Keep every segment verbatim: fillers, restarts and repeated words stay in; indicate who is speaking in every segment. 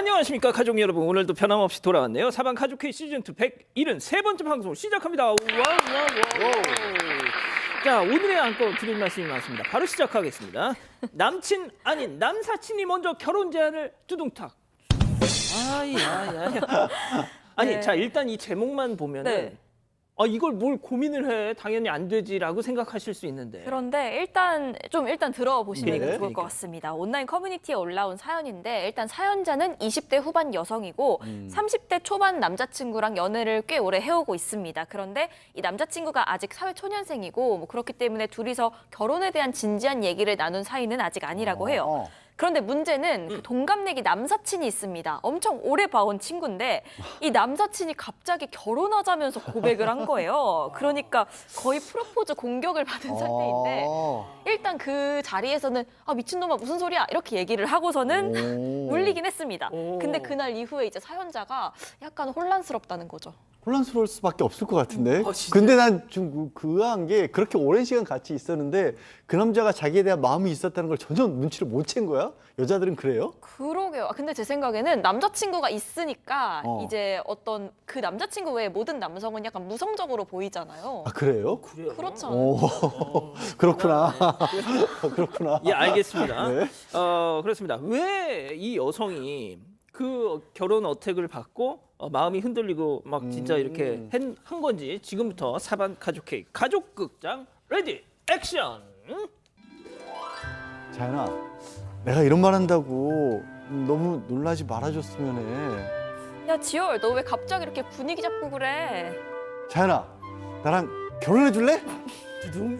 Speaker 1: 안녕하십니까 가족 여러분. 오늘도 변함없이 돌아왔네요. 사방 가족회의 시즌이 백칠십삼 번째 방송 시작합니다. 와우, 와우, 와우. 자, 오늘의 안건 드릴 말씀이 많습니다. 바로 시작하겠습니다. 남친 아닌 남사친이 먼저 결혼 제안을 뚜둥탁. 아야야야. 아니,
Speaker 2: 네.
Speaker 1: 자 일단 이 제목만 보면은
Speaker 2: 네.
Speaker 1: 아 이걸 뭘 고민을 해? 당연히 안 되지라고 생각하실 수 있는데.
Speaker 2: 그런데 일단 좀 일단 들어보시면
Speaker 1: 네.
Speaker 2: 좋을
Speaker 1: 그러니까.
Speaker 2: 것 같습니다. 온라인 커뮤니티에 올라온 사연인데 일단 사연자는 이십 대 후반 여성이고
Speaker 1: 음.
Speaker 2: 삼십 대 초반 남자친구랑 연애를 꽤 오래 해오고 있습니다. 그런데 이 남자친구가 아직 사회초년생이고 뭐 그렇기 때문에 둘이서 결혼에 대한 진지한 얘기를 나눈 사이는 아직 아니라고 해요.
Speaker 3: 어.
Speaker 2: 그런데 문제는 그 동갑내기 남사친이 있습니다. 엄청 오래 봐온 친구인데 이 남사친이 갑자기 결혼하자면서 고백을 한 거예요. 그러니까 거의 프로포즈 공격을 받은 상태인데
Speaker 3: 어.
Speaker 2: 일단 그 자리에서는 아 미친놈아 무슨 소리야 이렇게 얘기를 하고서는
Speaker 3: 오.
Speaker 2: 물리긴 했습니다.
Speaker 1: 오.
Speaker 2: 근데 그날 이후에 이제 사연자가 약간 혼란스럽다는 거죠.
Speaker 3: 혼란스러울 수밖에 없을 것 같은데.
Speaker 1: 아, 진짜?
Speaker 3: 근데 난 좀 그한 게 그렇게 오랜 시간 같이 있었는데 그 남자가 자기에 대한 마음이 있었다는 걸 전혀 눈치를 못 챈 거야? 여자들은 그래요?
Speaker 2: 그러게요. 아, 근데 제 생각에는 남자친구가 있으니까
Speaker 3: 어.
Speaker 2: 이제 어떤 그 남자친구 외에 모든 남성은 약간 무성적으로 보이잖아요.
Speaker 3: 아 그래요?
Speaker 1: 그래요?
Speaker 2: 그렇잖아요.
Speaker 3: 오.
Speaker 1: 어,
Speaker 3: 그렇구나. 그렇구나.
Speaker 1: 예, 알겠습니다.
Speaker 3: 네.
Speaker 1: 어, 그렇습니다. 왜 이 여성이 그 결혼 어택을 받고 어, 마음이 흔들리고 막 진짜
Speaker 3: 음.
Speaker 1: 이렇게 한, 한 건지 지금부터 사반 가족회의 가족극장 레디 액션.
Speaker 3: 자연아, 내가 이런 말 한다고 너무 놀라지 말아줬으면 해.
Speaker 2: 야 지열 너 왜 갑자기 이렇게 분위기 잡고 그래?
Speaker 3: 자연아, 나랑 결혼해 줄래?
Speaker 1: 두둥.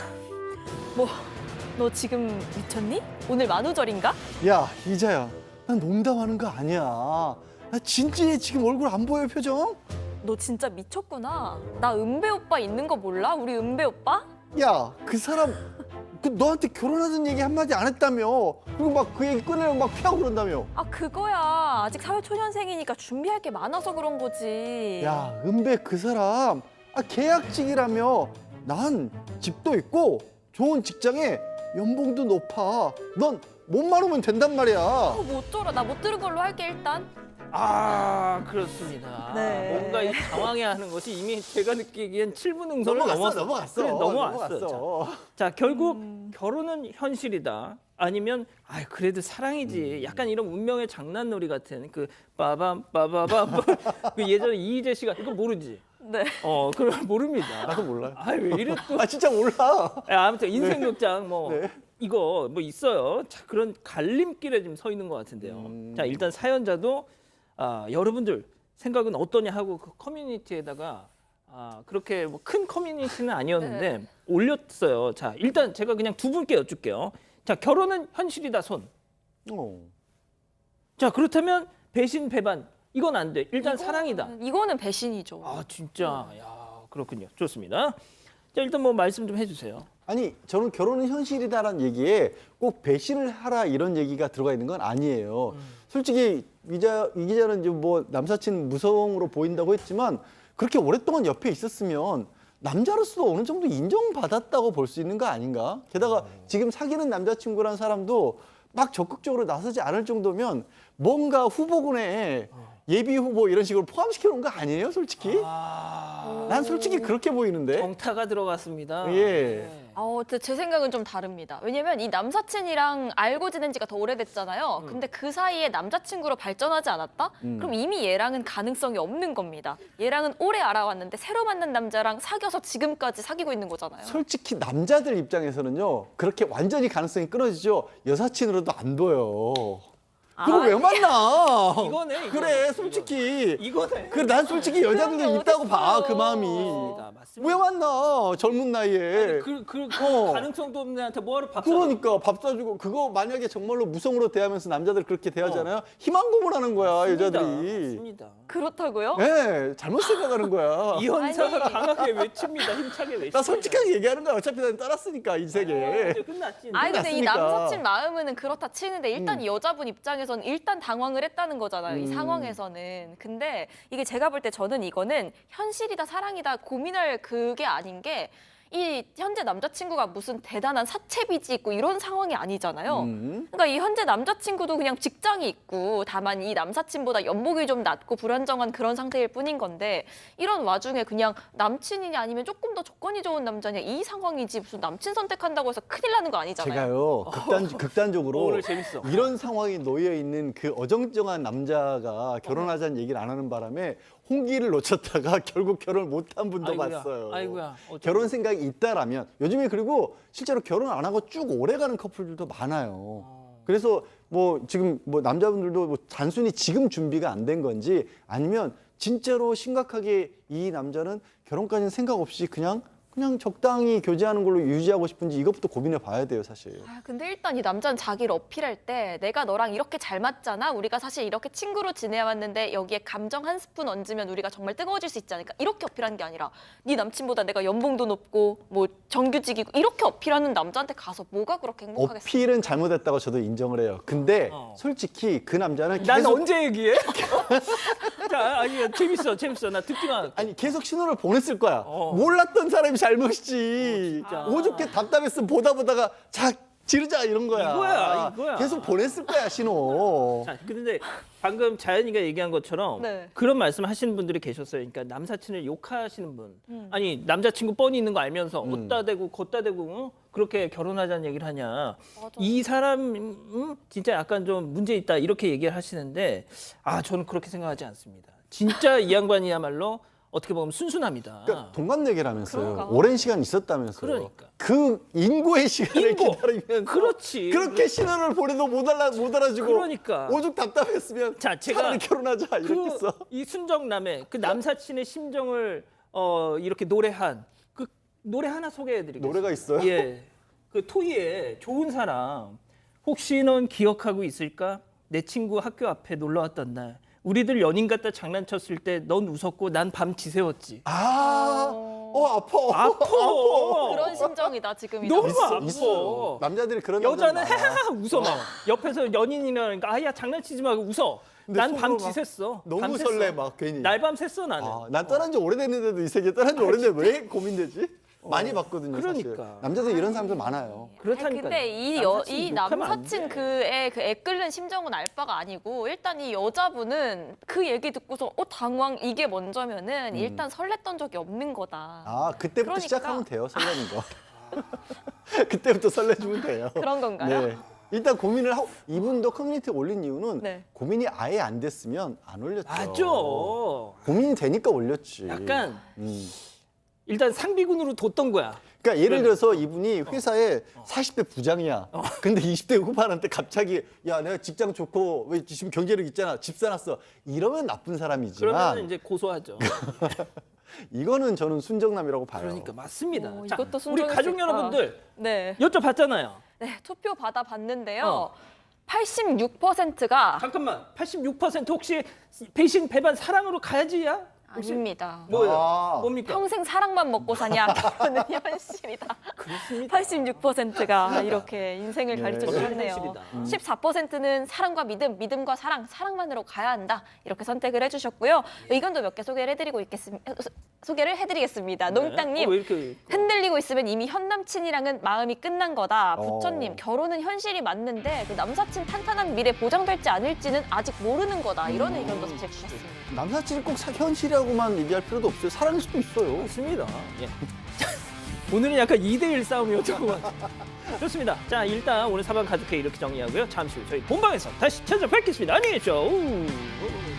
Speaker 2: 뭐 너 지금 미쳤니? 오늘 만우절인가?
Speaker 3: 야, 이자야, 난 농담하는 거 아니야. 나 진지해. 지금 얼굴 안 보여, 표정?
Speaker 2: 너 진짜 미쳤구나. 나 은배 오빠 있는 거 몰라? 우리 은배 오빠?
Speaker 3: 야, 그 사람 그 너한테 결혼하는 얘기 한마디 안 했다며. 그리고 막 그 얘기 꺼내면 막 피하고 그런다며.
Speaker 2: 아 그거야. 아직 사회초년생이니까 준비할 게 많아서 그런 거지.
Speaker 3: 야, 은배 그 사람 아, 계약직이라며. 난 집도 있고 좋은 직장에 연봉도 높아. 넌 몸만 오면 된단 말이야.
Speaker 2: 어, 뭐 어쩌라. 나 못 들은 걸로 할게 일단.
Speaker 1: 아, 그렇습니다.
Speaker 2: 네.
Speaker 1: 뭔가 이 당황해야 하는 것이 이미 제가 느끼기엔 칠 분 응선을 넘었어.
Speaker 3: 넘어갔어.
Speaker 1: 그래, 넘어왔어.
Speaker 3: 넘어갔어.
Speaker 1: 자, 결국
Speaker 2: 음.
Speaker 1: 결혼은 현실이다. 아니면 아 그래도 사랑이지. 약간 이런 운명의 장난놀이 같은 그 빠밤 빠바밤 그 예전에 이희재 씨가 이거 모르지?
Speaker 2: 네.
Speaker 1: 어, 그걸 모릅니다.
Speaker 3: 나도 몰라요.
Speaker 1: 아, 왜 이래 또?
Speaker 3: 아, 진짜 몰라.
Speaker 1: 아, 아무튼 인생극장 뭐
Speaker 3: 네.
Speaker 1: 이거 뭐 있어요. 자, 그런 갈림길에 지금 서 있는 것 같은데요.
Speaker 3: 음.
Speaker 1: 자, 일단 사연자도 아, 여러분들 생각은 어떠냐 하고 그 커뮤니티에다가 아, 그렇게 뭐 큰 커뮤니티는 아니었는데
Speaker 2: 네.
Speaker 1: 올렸어요. 자, 일단 제가 그냥 두 분께 여쭐게요. 자, 결혼은 현실이다 손.
Speaker 3: 어.
Speaker 1: 자, 그렇다면 배신 배반 이건 안 돼. 일단
Speaker 2: 이거는-
Speaker 1: 사랑이다.
Speaker 2: 이거는 배신이죠.
Speaker 1: 아, 진짜. 야, 그렇군요. 좋습니다. 자, 일단 뭐 말씀 좀 해주세요.
Speaker 3: 아니, 저는 결혼은 현실이다라는 얘기에 꼭 배신을 하라 이런 얘기가 들어가 있는 건 아니에요. 솔직히 이 기자, 이 기자는 이제 뭐 남사친 무성으로 보인다고 했지만 그렇게 오랫동안 옆에 있었으면 남자로서도 어느 정도 인정받았다고 볼 수 있는 거 아닌가? 게다가 지금 사귀는 남자친구란 사람도 막 적극적으로 나서지 않을 정도면 뭔가 후보군에 예비 후보 이런 식으로 포함시켜 놓은 거 아니에요, 솔직히?
Speaker 1: 아,
Speaker 3: 난 솔직히 그렇게 보이는데.
Speaker 1: 정타가 들어갔습니다.
Speaker 3: 예.
Speaker 1: 네.
Speaker 2: 어, 근데 제 생각은 좀 다릅니다. 왜냐면 이 남사친이랑 알고 지낸 지가 더 오래됐잖아요. 근데 그 사이에 남자친구로 발전하지 않았다?
Speaker 3: 음.
Speaker 2: 그럼 이미 얘랑은 가능성이 없는 겁니다. 얘랑은 오래 알아왔는데 새로 만난 남자랑 사귀어서 지금까지 사귀고 있는 거잖아요.
Speaker 3: 솔직히 남자들 입장에서는요, 그렇게 완전히 가능성이 끊어지죠. 여사친으로도 안 보여. 그거
Speaker 2: 아,
Speaker 3: 왜 만나?
Speaker 1: 이거네, 이거네.
Speaker 3: 그래, 솔직히.
Speaker 1: 이거네.
Speaker 3: 그래, 난 솔직히
Speaker 2: 그런
Speaker 3: 여자들도
Speaker 2: 게
Speaker 3: 있다고 봐,
Speaker 2: 어딨어요.
Speaker 3: 그 마음이.
Speaker 1: 맞습니다. 맞습니다.
Speaker 3: 왜 만나? 젊은 나이에.
Speaker 1: 그, 그, 그
Speaker 3: 어.
Speaker 1: 가능성도 없는 애한테 뭐하러 밥 사줘?
Speaker 3: 그러니까 밥 사주고 그거 만약에 정말로 무성으로 대하면서 남자들 그렇게 대하잖아요. 희망 고문하는 거야,
Speaker 1: 맞습니다.
Speaker 3: 여자들이.
Speaker 1: 맞습니다.
Speaker 2: 그렇다고요?
Speaker 3: 네, 잘못 생각하는 거야.
Speaker 1: 이 현상을
Speaker 2: 아니.
Speaker 1: 강하게 외칩니다. 힘차게 외칩니다.
Speaker 3: 나 솔직하게 얘기하는 거야. 어차피 난 따랐으니까
Speaker 1: 어,
Speaker 3: 인생에.
Speaker 1: 이제 끝났지.
Speaker 2: 아니 근데 이
Speaker 3: 끝났으니까.
Speaker 2: 남사친 마음은 그렇다 치는데 일단
Speaker 3: 음.
Speaker 2: 이 여자분 입장에서는 일단 당황을 했다는 거잖아요. 이
Speaker 3: 음.
Speaker 2: 상황에서는. 근데 이게 제가 볼 때 저는 이거는 현실이다 사랑이다 고민할 그게 아닌 게 이 현재 남자친구가 무슨 대단한 사채빚이 있고 이런 상황이 아니잖아요.
Speaker 3: 음.
Speaker 2: 그러니까 이 현재 남자친구도 그냥 직장이 있고 다만 이 남사친보다 연봉이 좀 낮고 불안정한 그런 상태일 뿐인 건데 이런 와중에 그냥 남친이냐 아니면 조금 더 조건이 좋은 남자냐 이 상황이지 무슨 남친 선택한다고 해서 큰일 나는 거 아니잖아요.
Speaker 3: 제가요 극단 극단적으로
Speaker 1: 오늘 재밌어.
Speaker 3: 이런 상황이 놓여 있는 그 어정쩡한 남자가 결혼하자는 얘기를 안 하는 바람에 홍기를 놓쳤다가 결국 결혼을 못한 분도
Speaker 1: 아이고야,
Speaker 3: 봤어요.
Speaker 1: 아이고야, 어쩌면.
Speaker 3: 결혼 생각이 있다라면 요즘에 그리고 실제로 결혼 안 하고 쭉 오래가는 커플들도 많아요. 그래서 뭐 지금 뭐 남자분들도 뭐 단순히 지금 준비가 안 된 건지 아니면 진짜로 심각하게 이 남자는 결혼까지는 생각 없이 그냥 그냥 적당히 교제하는 걸로 유지하고 싶은지 이것부터 고민해 봐야 돼요, 사실.
Speaker 2: 아, 근데 일단 이 남자는 자기를 어필할 때 내가 너랑 이렇게 잘 맞잖아. 우리가 사실 이렇게 친구로 지내왔는데 여기에 감정 한 스푼 얹으면 우리가 정말 뜨거워질 수 있지 않을까. 이렇게 어필하는 게 아니라 네 남친보다 내가 연봉도 높고 뭐 정규직이고 이렇게 어필하는 남자한테 가서 뭐가 그렇게 행복하겠어.
Speaker 3: 어필은 잘못했다고 저도 인정을 해요. 근데
Speaker 1: 어.
Speaker 3: 솔직히 그 남자는
Speaker 1: 난
Speaker 3: 계속
Speaker 1: 언제 얘기해? 자, 아니 재밌어, 재밌어. 나 듣기만 할게.
Speaker 3: 아니 계속 신호를 보냈을 거야.
Speaker 1: 어.
Speaker 3: 몰랐던 사람이 잘못이지.
Speaker 1: 어, 진짜.
Speaker 3: 오죽게 답답했으면 보다 보다가 자 지르자 이런 거야.
Speaker 1: 이거야, 이거야.
Speaker 3: 계속 보냈을 거야 신호.
Speaker 1: 자, 근데 방금 자연이가 얘기한 것처럼
Speaker 2: 네.
Speaker 1: 그런 말씀 하시는 분들이 계셨어요. 그러니까 남사친을 욕하시는 분.
Speaker 2: 음.
Speaker 1: 아니, 남자친구 뻔히 있는 거 알면서 어디다 대고 걷다 대고 어? 그렇게 결혼하자는 얘기를 하냐.
Speaker 2: 맞아.
Speaker 1: 이 사람 음, 진짜 약간 좀 문제 있다 이렇게 얘기를 하시는데 아, 저는 그렇게 생각하지 않습니다. 진짜 이 양반이야말로 어떻게 보면 순순합니다.
Speaker 3: 그러니까 동갑내기라면서요.
Speaker 2: 그런가?
Speaker 3: 오랜 시간 있었다면서요.
Speaker 1: 그러니까.
Speaker 3: 그 인고의 시간을
Speaker 1: 인고.
Speaker 3: 기다리면서
Speaker 1: 그렇지.
Speaker 3: 그렇게 신호를 보내도 못 알아 못 알아주고
Speaker 1: 그러니까.
Speaker 3: 오죽 답답했으면
Speaker 1: 자, 제가
Speaker 3: 차라리 결혼하자 이랬겠어.
Speaker 1: 그, 이 순정남의 그 남사친의 심정을 어, 이렇게 노래한 그 노래 하나 소개해드리겠습니다.
Speaker 3: 노래가 있어요?
Speaker 1: 예, 그 토이의 좋은 사람. 혹시 넌 기억하고 있을까? 내 친구 학교 앞에 놀러 왔던 날. 우리들 연인 같다 장난쳤을 때 넌 웃었고 난 밤 지새웠지.
Speaker 3: 아, 어 아파.
Speaker 1: 아파.
Speaker 2: 그런 심정이다 지금 이
Speaker 1: 너무
Speaker 2: 남자.
Speaker 1: 아파.
Speaker 3: 있어. 남자들이 그런
Speaker 1: 여자는
Speaker 3: 남자들 많아.
Speaker 1: 하하하 웃어 막. 옆에서 연인이라니까 아야 장난치지 말고 웃어.
Speaker 3: 근데
Speaker 1: 난 밤
Speaker 3: 속으로 막
Speaker 1: 지샜어.
Speaker 3: 너무
Speaker 1: 밤 샜어.
Speaker 3: 설레 막 괜히.
Speaker 1: 날밤 샜어 나는.
Speaker 3: 아, 난 떠난 지 오래됐는데도 이 세계 떠난 지 오래됐는데 왜 고민되지? 많이 봤거든요. 사실.
Speaker 1: 그러니까.
Speaker 3: 남자들 이런 사람들 많아요.
Speaker 1: 그렇다니까.
Speaker 2: 근데 이, 여, 이 남사친 그의 그 애끓는 심정은 알 바가 아니고 일단 이 여자분은 그 얘기 듣고서 어 당황 이게 먼저면은 일단 설렜던 적이 없는 거다.
Speaker 3: 아, 그때부터
Speaker 2: 그러니까.
Speaker 3: 시작하면 돼요. 설레는 거. 그때부터 설레주면 돼요.
Speaker 2: 그런 건가요?
Speaker 3: 네. 일단 고민을 하고 이분도 커뮤니티에 올린 이유는
Speaker 2: 네.
Speaker 3: 고민이 아예 안 됐으면 안 올렸죠.
Speaker 1: 맞아.
Speaker 3: 고민이 되니까 올렸지.
Speaker 1: 약간
Speaker 3: 음.
Speaker 1: 일단 상비군으로 뒀던 거야.
Speaker 3: 그러니까 예를 들어서 이분이 회사에 사십 대 부장이야. 근데 이십 대 후반한테 갑자기 야 내가 직장 좋고 왜 지금 경제력 있잖아. 집 사놨어. 이러면 나쁜 사람이지만
Speaker 1: 그러면 이제 고소하죠.
Speaker 3: 이거는 저는 순정남이라고 봐요.
Speaker 1: 그러니까 맞습니다.
Speaker 2: 오,
Speaker 1: 자,
Speaker 2: 이것도
Speaker 1: 우리
Speaker 2: 순정일
Speaker 1: 가족
Speaker 2: 수 있다.
Speaker 1: 여러분들
Speaker 2: 네.
Speaker 1: 여쭤봤잖아요.
Speaker 2: 네, 투표 받아 봤는데요.
Speaker 1: 어.
Speaker 2: 팔십육 퍼센트가
Speaker 1: 잠깐만, 팔십육 퍼센트 혹시 배신 배반 사랑으로 가야지야? 혹시
Speaker 2: 아닙니다.
Speaker 1: 뭐예요?
Speaker 3: 아.
Speaker 1: 뭡니까?
Speaker 2: 평생 사랑만 먹고 사냐? 그거는 현실이다.
Speaker 1: 그렇습니다.
Speaker 2: 팔십육 퍼센트가 이렇게 인생을
Speaker 3: 네.
Speaker 2: 가르쳐
Speaker 1: 그건
Speaker 2: 주셨네요.
Speaker 1: 현실이다.
Speaker 2: 십사 퍼센트는 사랑과 믿음, 믿음과 사랑, 사랑만으로 가야 한다. 이렇게 선택을 해주셨고요. 의견도 몇 개 소개를 해드리고 있겠습니다. 소개를 해드리겠습니다. 농땅님.
Speaker 1: 어, 왜 이렇게
Speaker 2: 흔들리고 있으면 이미 현 남친이랑은 마음이 끝난 거다.
Speaker 3: 어.
Speaker 2: 부처님, 결혼은 현실이 맞는데 그 남사친 탄탄한 미래 보장될지 아닐지는 아직 모르는 거다. 이런 의견도 사실 주셨습니다.
Speaker 3: 남사친이 꼭 사- 현실이라고만 얘기할 필요도 없어요. 사랑일 수도 있어요.
Speaker 1: 좋습니다. 예. 오늘은 약간 이 대 일 싸움이었던 것 같아요. 좋습니다. 자, 일단 오늘 사방 가족회 이렇게 정리하고요. 잠시 후 저희 본방에서 다시 찾아뵙겠습니다. 안녕히 계십시오. 우.